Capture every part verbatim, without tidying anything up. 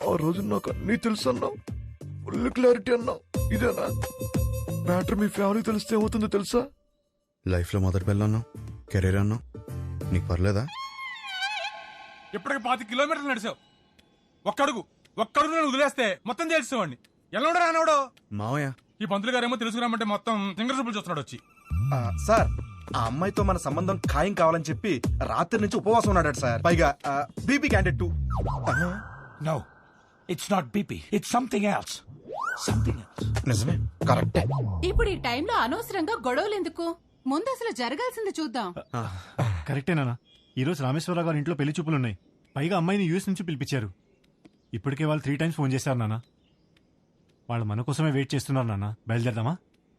ఆ రోజు నాకు అన్నీ తెలుసు అన్నావు, ఫుల్ క్లారిటీ అన్నావు. ఇదేనా మ్యాటర్? మీ ఫ్యామిలీ తెలిస్తే ఏమవుతుందో తెలుసా? లైఫ్లో మొదటి పిల్ల అన్నావు, కెరీర్ అన్నావు, నీకు పర్లేదా? ఇప్పటికి పాతి కిలోమీటర్లు నడిచావు. ఒక్కడుగు ఒక్కడుగు నేను వదిలేస్తే మొత్తం తెలిసేవాడిని. ఎల్లవడో రానవడో మావయ్య. ఈ పంతులు గారేమో తెలుసుకురామంటే మొత్తం సింగర్ సూపులు చూస్తున్నాడు వచ్చి. సార్ ఆ అమ్మాయితో మన సంబంధం ఖాయం కావాలని చెప్పి రాత్రి నుంచి ఉపవాసం ఉన్నాడు సార్. పైగా BP candidate too. No, it's not B P. It's something else. Something else. నిజమే, కరెక్టే. ఇప్పుడు ఈ టైంలో అనవసరంగా గొడవలు ఎందుకు? ముందు అసలు జరగాల్సింది చూద్దాం. కరెక్టేనా? ఈ రోజు రామేశ్వరరావు గారి ఇంట్లో పెళ్లి చూపులున్నాయి. పైగా అమ్మాయిని యూఎస్ నుంచి పిలిపించారు. ఇప్పటికే వాళ్ళు త్రీ టైమ్స్ ఫోన్ చేశారు నాన్న. వాళ్ళు మన కోసమే వెయిట్ చేస్తున్నారు నాన్న. బయలుదేరదామా?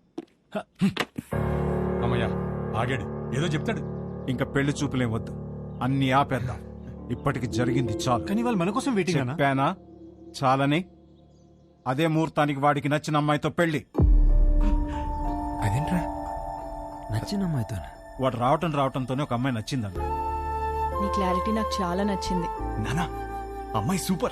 అమ్మయ్యా ఆగాడు, ఏదో చెప్తాడు. ఇంకా పెళ్లి చూపులేం వద్దు, అన్ని ఆపేద్దాం. ఇప్పటికి జరిగింది చాలు. కానీ వాళ్ళు మన కోసం వెయిటింగ్ అన్నా. చెప్పానా చాలని? అదే ముహూర్తానికి వాడికి నచ్చిన అమ్మాయితో పెళ్లి. అదేంట్రా నచ్చిన అమ్మాయితో? వాడు రావటం రావటంతోనే ఒక అమ్మాయి నచ్చిందన్న. నీ క్లారిటీ నాకు చాలా నచ్చింది నానా. అమ్మాయి సూపర్.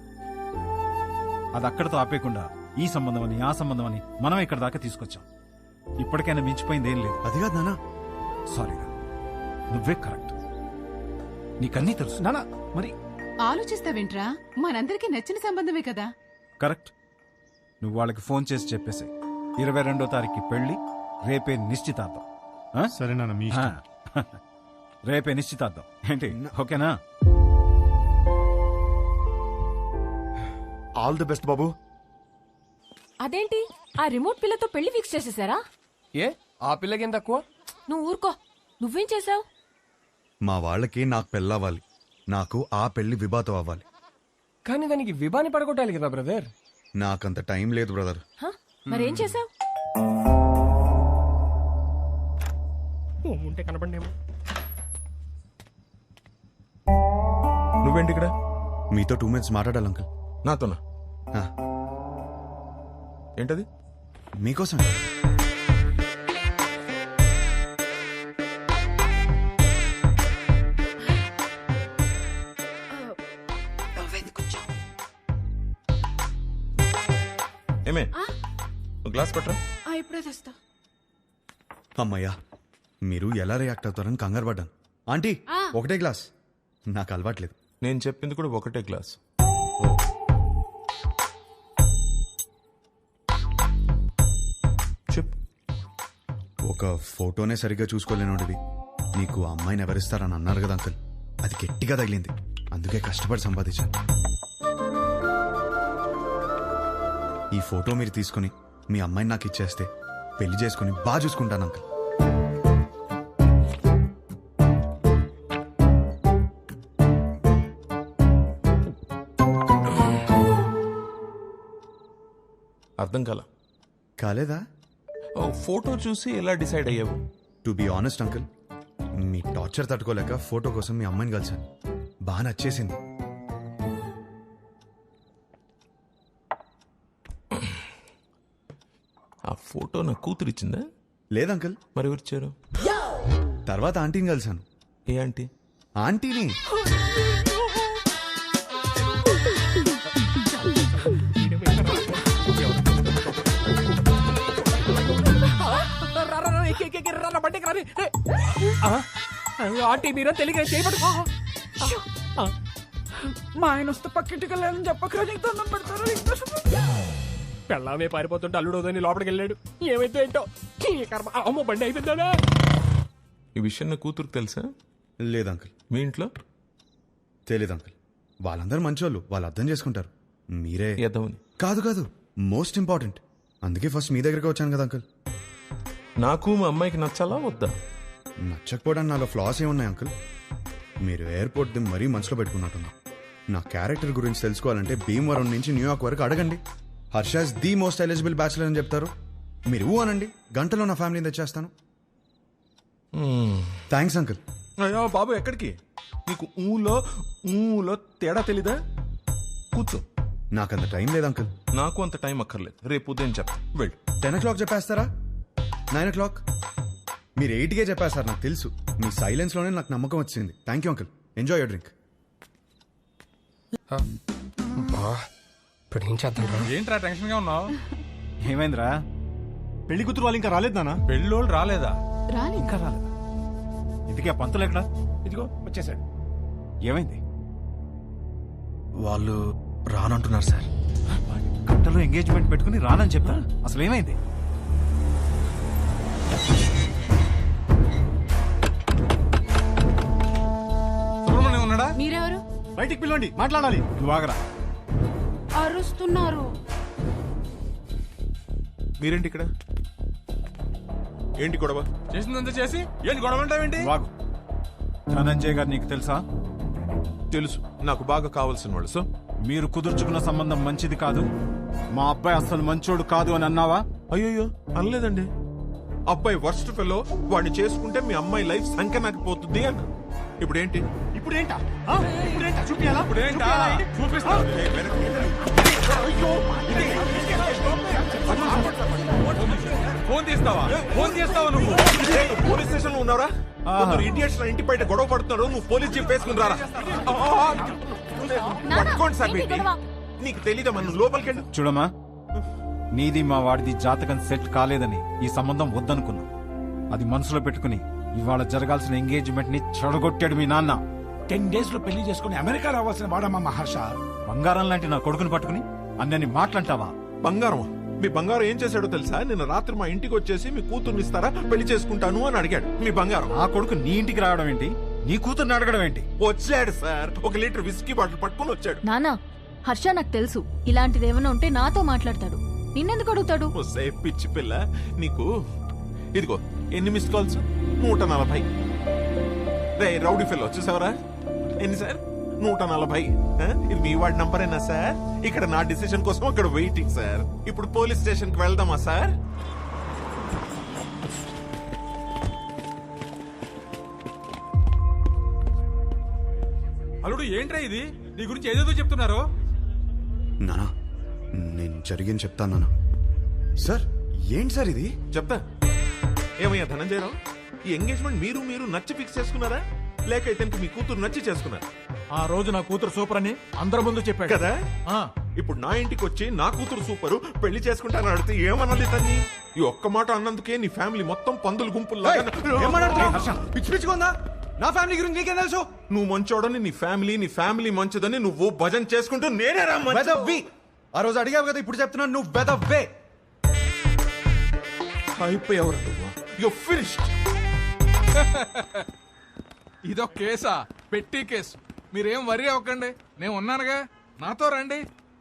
అది అక్కడితో ఆపేయకుండా ఈ సంబంధం అని ఆ సంబంధం అని మనం ఇక్కడ దాకా తీసుకొచ్చాం. ఇప్పటికైనా మించిపోయింది ఏం లేదు. అది కాదు నానా. సారీరా, నువ్వే కరెక్ట్. నీకన్నీ తెలుసు నానా. మరి ఆలోచిస్తావేంట్రా? మనందరికీ నచ్చిన సంబంధమే కదా. కరెక్ట్. నువ్వు వాళ్ళకి ఫోన్ చేసి చెప్పేసి ఇరవై రెండో తారీఖు పెళ్లి, రేపే నిశ్చితార్థం. ఆ? సరే నాన్న, మీ ఇష్టం. ఆ. రేపే నిశ్చితార్థం ఏంటి? ఓకేనా? ఆల్ ది బెస్ట్ బాబు. అదేంటి ఆ రిమోట్ పిల్లతో పెళ్లి ఫిక్స్ చేసేసారా? ఏ ఆ పిల్లకేం తక్కువ? నువ్వు ఊరుకో. నువ్వేం చేసావు? మా వాళ్ళకి నాకు పెళ్ళవ్వాలి, నాకు ఆ పెళ్లి విభాతో అవ్వాలి. కానీ దానికి విభాని పడగొట్టాలి కదా బ్రదర్. నాకంత టైం లేదు బ్రదర్. మరేం చేసావు? ఉంటే కనపడేమో. నువ్వేంటి ఇక్కడ? మీతో టూ మినిట్స్ మాట్లాడాలి అంకుల్. నాతోనా? ఏంటది? మీకోసం. ఏమే గ్లాస్ పట్టరా. ఇప్పుడే తెస్తా. అమ్మయ్యా, మీరు ఎలా రియాక్ట్ అవుతారని కంగారు పడ్డాను. ఆంటీ ఒకటే గ్లాస్, నాకు అలవాట్లేదు. నేను చెప్పింది కూడా ఒకటే గ్లాస్. చెప్పు. ఒక ఫోటోనే సరిగ్గా చూసుకోలేనోడివి నీకు ఆ అమ్మాయిని ఎవరిస్తారని అన్నారు కదా అంకుల్. అది గట్టిగా తగిలింది, అందుకే కష్టపడి సంపాదించాను. ఈ ఫోటో మీరు తీసుకుని మీ అమ్మాయిని నాకు ఇచ్చేస్తే పెళ్లి చేసుకుని బాగా చూసుకుంటాను అంకుల్. అర్థం కాల. కాలేదా? ఫోటో చూసి ఎలా డిసైడ్ అయ్యావు? టు బి ఆనెస్ట్ అంకుల్, మీ టార్చర్ తట్టుకోలేక ఫోటో కోసం మీ అమ్మాయిని కలిశాను. బాగా నచ్చేసింది. ఆ ఫోటో నా కూతురు ఇచ్చిందా? లేదు అంకుల్. మరి ఎవరిచ్చారు? తర్వాత ఆంటీని కలిశాను. ఏ ఆంటీ? ఆంటీని. ఆంటీ మీరా తెలియక చేయబడు. మా ఆయన వస్తే పక్కింటికి వెళ్ళాలని చెప్పక దండం పెడతారు. పెళ్ళామే పారిపోతుంటే అల్లుడోదని లోపలికి వెళ్ళాడు. ఏమైతే ఏంటో కర్మ. అమ్మ బండి అయిపోయిందా? ఈ విషయం నా కూతురుకు తెలుసా? లేదు అంకుల్. మీ ఇంట్లో తెలీదు అంకుల్. వాళ్ళందరూ మంచోళ్ళు, వాళ్ళు అర్థం చేసుకుంటారు. మీరే ఎదవని. కాదు కాదు, మోస్ట్ ఇంపార్టెంట్. అందుకే ఫస్ట్ మీ దగ్గరికి వచ్చాను కదా అంకుల్. నాకు మా అమ్మాయికి నచ్చాలా వద్దా? నచ్చకపోవడానికి నాలో ఫ్లాస్ ఏమున్నాయి అంకుల్? మీరు ఎయిర్పోర్ట్ ది మరీ మనసులో పెట్టుకున్నట్టున్నా. నా క్యారెక్టర్ గురించి తెలుసుకోవాలంటే భీమవరం నుంచి న్యూయార్క్ వరకు అడగండి. Harsha is the most eligible bachelor అని చెప్తారు. మీరు ఊ అనండి, గంటలో నా ఫ్యామిలీని తెచ్చేస్తాను. Thanks uncle. అయ్యో బాబు, ఎక్కడికి? నీకు ఊలో ఊలో తేడా తెలీదా? కూర్చో. నాకంత టైం లేదు అంకుల్. నాకు అంత టైం అక్కర్లేదు. రేపు ఉదయం చెప్తా. వెళ్ళు. టెన్ ఓ క్లాక్ చెప్పేస్తారా? Nine o'clock? మీరు ఎయిట్కే చెప్పేస్తారు, నాకు తెలుసు. మీ సైలెన్స్లోనే నాకు నమ్మకం వచ్చింది. Thank you uncle. Enjoy your drink. ఇప్పుడు ఏం చేద్దాం రా? ఏంట్రా టెన్షన్ గా ఉన్నావు? ఏమైందిరా? పెళ్లి కూతురు వాళ్ళు ఇంకా రాలేదు నాన్న. పెళ్ళోళ్ళు రాలేదా? రాలేదు. ఇంకా రాలేదా? ఇంతకీ ఆ పంతులు ఎక్కడా? ఇదిగో వచ్చేసాడు. ఏమైంది? వాళ్ళు రానంటున్నారు సార్. గంటలో ఎంగేజ్మెంట్ పెట్టుకుని రానని చెప్తా. అసలు ఏమైంది? సుబ్రహ్మణ్యం ఉన్నాడా? మీరెవరు? బయటికి పిలవండి, మాట్లాడాలి. నువ్వు ఆగరా. అరుస్తున్నారు. మీరేంటి ఇక్కడ? ఏంటి గొడవ? చేసిందంతా చేసి ఏంటి గొడవ అంటావేంటి? వాగు. ధనంజయ్ గారు నీకు తెలుసా? తెలుసు, నాకు బాగా కావాల్సిన వాళ్ళు. సో మీరు కుదుర్చుకున్న సంబంధం మంచిది కాదు, మా అబ్బాయి అసలు మంచోడు కాదు అని అన్నావా? అయ్యో అనలేదండి. అబ్బాయి వర్స్ట్ ఫెలో, వాడిని చేసుకుంటే మీ అమ్మాయి లైఫ్ సంఖ్య నాకు పోతుంది అన్న. ఇప్పుడు ఏంటి? ఇప్పుడు ఏంటా? ఆ? ఇప్పుడు ఏంటా? చూపియాలా? ఇప్పుడు ఏంటా? చూపిస్తా. ఫోన్ తీస్తావా? ఫోన్ తీస్తావా నువ్వు? పోలీస్ స్టేషన్ లో ఉన్నారా? ఇడియట్స్ ఇంటి బయట గొడవ పడుతున్నాడు, నువ్వు పోలీస్ జీప్ వేసుకుని రారా. పట్టుకోండి సార్. బేటీ నీకు తెలీదా? మనం లోపలికి వెళ్ళి చూడమ్మా, నీది మా వాడిది జాతకం సెట్ కాలేదని ఈ సంబంధం వద్దనుకున్నా. అది మనసులో పెట్టుకుని ఇవాళ జరగాల్సిన ఎంగేజ్మెంట్ ని చెడగొట్టాడు మీ నాన్న. టెన్ డేస్ లో పెళ్లి చేసుకుని అమెరికా రావాల్సిన వాడమ్మా మహర్ష. బంగారం లాంటి నా కొడుకుని పట్టుకుని అన్నని మాట్లాంటావా? బంగారం? మీ బంగారం ఏం చేశాడో తెలుసా? నిన్న రాత్రి మా ఇంటికి వచ్చేసి మీ కూతుర్ని ఇస్తారా, పెళ్లి చేసుకుంటాను అని అడిగాడు. మీ బంగారం ఆ కొడుకు నీ ఇంటికి రావడం ఏంటి? నీ కూతుర్ని అడగడం ఏంటి? వచ్చాడు సార్, ఒక లీటర్ విస్కీ బాటిల్ పట్టుకుని వచ్చాడు. నానా, హర్ష నాకు తెలుసు ఇలాంటిది ఏమైనా ఉంటే నాతో మాట్లాడతాడు, నిన్నెందుకు అడుగుతాడు? ఒసే పిచ్చి పిల్ల, నీకు ఇదిగో ఎన్ని మిస్ కాల్స్? నూట నలభై. రే రౌడీ ఫెల్లో చూసావరా? ఎన్ని సార్? నూట నలభై. ఆ? ఇది మీ వాడి నంబరేనా సార్? ఇక్కడ నా డిసిషన్ కోసం అక్కడ వెయిటింగ్ సార్. ఇప్పుడు పోలీస్ స్టేషన్ కి వెళ్దామా సార్? అల్లుడు ఏంట్రా ఇది? నీ గురించి ఏదేదో చెప్తున్నారు. నానా, నేను జరిగింది చెప్తాను నానా. సార్ ఏంటి సార్ ఇది? చెప్తా. ఏమయ్యా ధనంజయరావు, ఈ ఎంగేజ్మెంట్ మీరు మీరు నచ్చి ఫిక్స్ చేసుకున్నారా, లేక ఇతనికి మీ కూతురు నచ్చి చేసుకున్నారా? ఆ రోజు నా కూతురు సూపర్ అని అందరి ముందు చెప్పాడు కదా. ఇప్పుడు నా ఇంటికి వచ్చి నా కూతురు సూపరు, పెళ్లి చేసుకుంటానని అడిగితే ఏమనాలి తన్ని? ఈ ఒక్క మాట అన్నందుకే నీ ఫ్యామిలీ మొత్తం పందులు గుంపుల్లా. పిచ్చి పిచ్చిగా నా ఫ్యామిలీ గురించి నీకేం తెలుసు? నువ్వు మంచోడని నీ ఫ్యామిలీ, నీ ఫ్యామిలీ మంచిదని నువ్వు భజన చేసుకుంటూ నేనే రా మంచి- వెదవ్వి. ఆ రోజు అడిగావు కదా, ఇప్పుడు చెప్తున్నాను నువ్వు వెదవ్వే. అయిపోయావురా నువ్వు. You're finished. ఇదొక కేసా? పెట్టి కేసు. మీరేం వరి అవ్వకండి, నేను ఉన్నానుగా, నాతో రండి.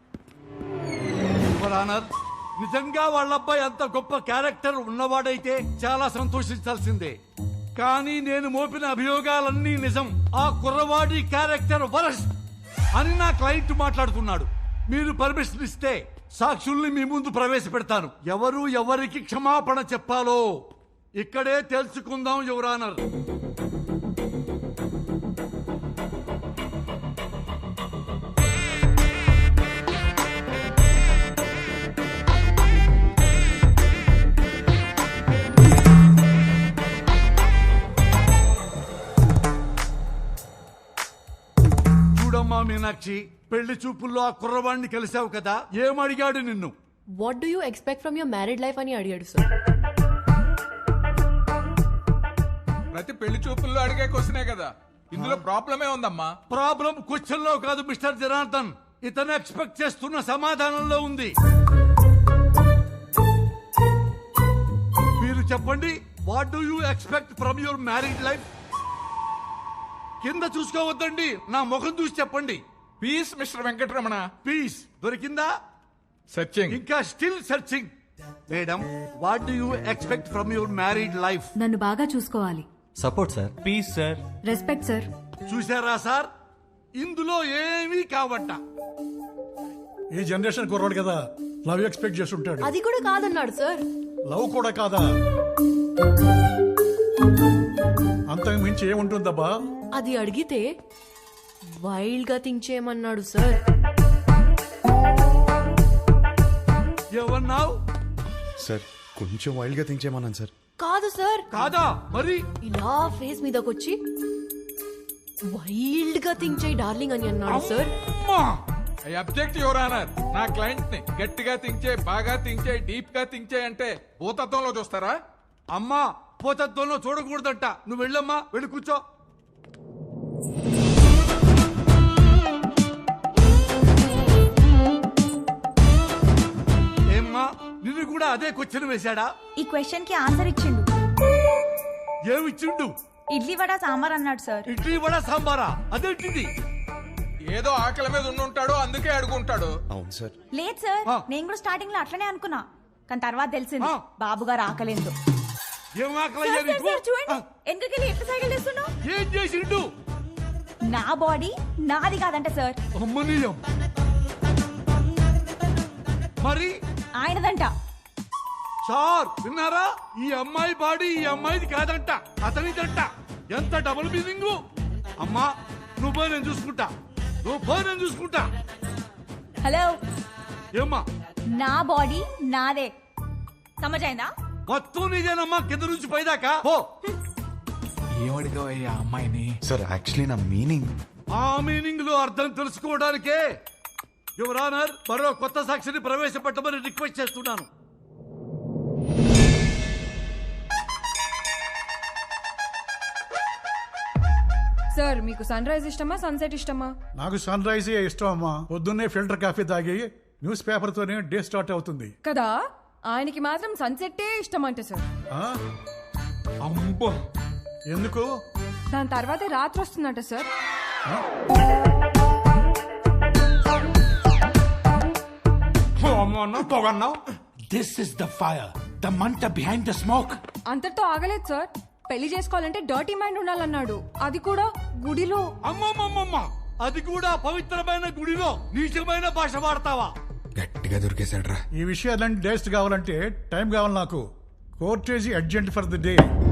నిజంగా వాళ్ళ అబ్బాయి అంత గొప్ప క్యారెక్టర్ ఉన్నవాడైతే చాలా సంతోషించాల్సిందే. కానీ నేను మోపిన అభియోగాలన్నీ నిజం. ఆ కుర్రవాడి క్యారెక్టర్ వరస్ట్ అని నా క్లయింట్ మాట్లాడుతున్నాడు. మీరు పర్మిషన్ ఇస్తే సాక్షుల్ని మీ ముందు ప్రవేశపెడతాను. ఎవరు ఎవరికి క్షమాపణ చెప్పాలో ఇక్కడే తెలుసుకుందాం యువర్ ఆనర్. చూడమ్మా మీనాక్షి, పెళ్లి చూపుల్లో ఆ కుర్రవాడిని కలిసావు కదా, ఏమడిగాడు నిన్ను? What do you expect from your married life అని అడిగాడు సార్. ప్రతి పెళ్లి చూపుల్లో అడిగే క్వశ్చనే కదా, ఇందులో ప్రాబ్లమే ఉందమ్మా. ప్రాబ్లం క్వశ్చన్ లో కాదు మిస్టర్ జనార్దన్, ఇతను ఎక్స్పెక్ట్ చేస్తున్న సమాధానంలో ఉంది. మీరు చెప్పండి, what do you expect from your married life? కింద చూసుకోవద్దండి, నా ముఖం చూసి చెప్పండి. Peace mister Venkataramana. పీస్ దొరికిందా? సర్చింగ్. ఇంకా still searching. Madam, what do you expect from your married life? నన్ను బాగా చూసుకోవాలి. Support sir. Peace sir. Respect sir. చూసారా సార్, ఇందులో ఏమీ కావట. ఈ జనరేషన్ కుర్రాడు కదా, లవ్ ఎక్స్పెక్ట్ చేస్తుంటాడు. అది కూడా కాదన్నాడు సార్. లవ్ కూడా కాదా? అంతకు మించి ఏముంటుందబ్బా? అది అడిగితే వైల్డ్ గా థింక్ చేయమన్నాడు సార్. ఏమన్నావు? సార్ కొంచెం వైల్డ్ గా థింక్ చేయమన్నాను సార్. కాదు సార్. కాదా? మరి ఇలా ఫేస్ మీదకొచ్చి వైల్డ్ గా థింక్ చేయి డార్లింగ్ అని అన్నాడు సార్. అమ్మా! I object your honour. నా క్లయింట్ ని గట్టిగా థింక్ చేయి, బాగా థింక్ చేయి, డీప్ గా థింక్ చేయి అంటే భూతత్వంలో చూస్తారా? అమ్మా పోతత్వంలో చూడకూడదంట. నువ్వు వెళ్ళమ్మా, వెళ్ళి కూర్చో. ఏమ్మా నిన్ను కూడా అదే క్వశ్చన్ వేశాడా? ఈ క్వశ్చన్ కి ఆన్సర్ ఇచ్చిండు. ఏమిచ్చిండు? ఇడ్లీ వడ సాంబార్ అన్నాడు సార్. ఇడ్లీ వడ సాంబారా? అదేంటిది? ఏదో ఆకలి మీద ఉండుంటాడు, అందుకే అడుగుంటాడు. అవును సార్. లేదు సార్, ఆ. నేను కూడా స్టార్టింగ్ లో అట్లనే అనుకున్నా, కానీ తర్వాత తెలిసింది ఆ. బాబు గారు ఆకలేదు. ఏం ఆకలయ్యా నీకు? చూడండి ఎందుకెళ్ళి ఎట్లా సైకిల్ చేస్తున్నావు? ఏం చేసిండు? నా బాడీ నాది కాదంట సార్, అమ్మనీయం. మరి ఆయనదంట. సార్ విన్నారా? ఈ అమ్మాయి బాడీ ఈ అమ్మాయిది కాదంట, అతనిదంట. ఎంత డబుల్ మీనింగ్. అమ్మా నువ్వు పోయి నేను చూసుకుంటా, నువ్వు పోయి నేను చూసుకుంటా. హలో, ఏమ్మా నా బాడీ నాదే, సమజైందా? మొత్తం నీదేనమ్మా, కింద నుంచి పైదాకా. ఓ ఏమడిగావయ్యా అమ్మాయిని? సార్ యాక్చువల్లీ నా మీనింగ్. ఆ మీనింగ్ లో అర్థం తెలుసుకోవడానికే యువర్ ఆనర్ మరో కొత్త సాక్షిని ప్రవేశపెట్టమని రిక్వెస్ట్ చేస్తున్నాను. సార్ మీకు సన్ రైజ్ ఇష్టమా సన్సెట్ ఇష్టమా? నాకు సన్ రైజ్ ఇష్టం అమ్మా. పొద్దున్నే ఫిల్టర్ కాఫీ తాగి న్యూస్ పేపర్ తోనే డే స్టార్ట్ అవుతుంది కదా, ఆయనకి మాత్రం సన్సెట్టే ఇష్టం అంట సార్. ఆ? అమ్మో, ఎందుకు? దాని తర్వాతే రాత్రి వస్తుందంట సార్. పొగన్నావు. This is the fire, the మంట బిహైండ్ ద స్మోక్. అంతటితో ఆగలేదు సార్, పెళ్లి చేసుకోవాలంటే డర్టీ మైండ్ ఉండాలన్నాడు, అది కూడా గుడిలో. అమ్మమ్మమ్మమ్మ, అది కూడా పవిత్రమైన గుడిలో నీచమైన భాష వాడతావా? గట్టిగా దొరికేశాడ్రా. ఈ విషయాలన్నీ డేస్ట్ కావాలంటే టైం కావాలి నాకు. Court adjourned for the day.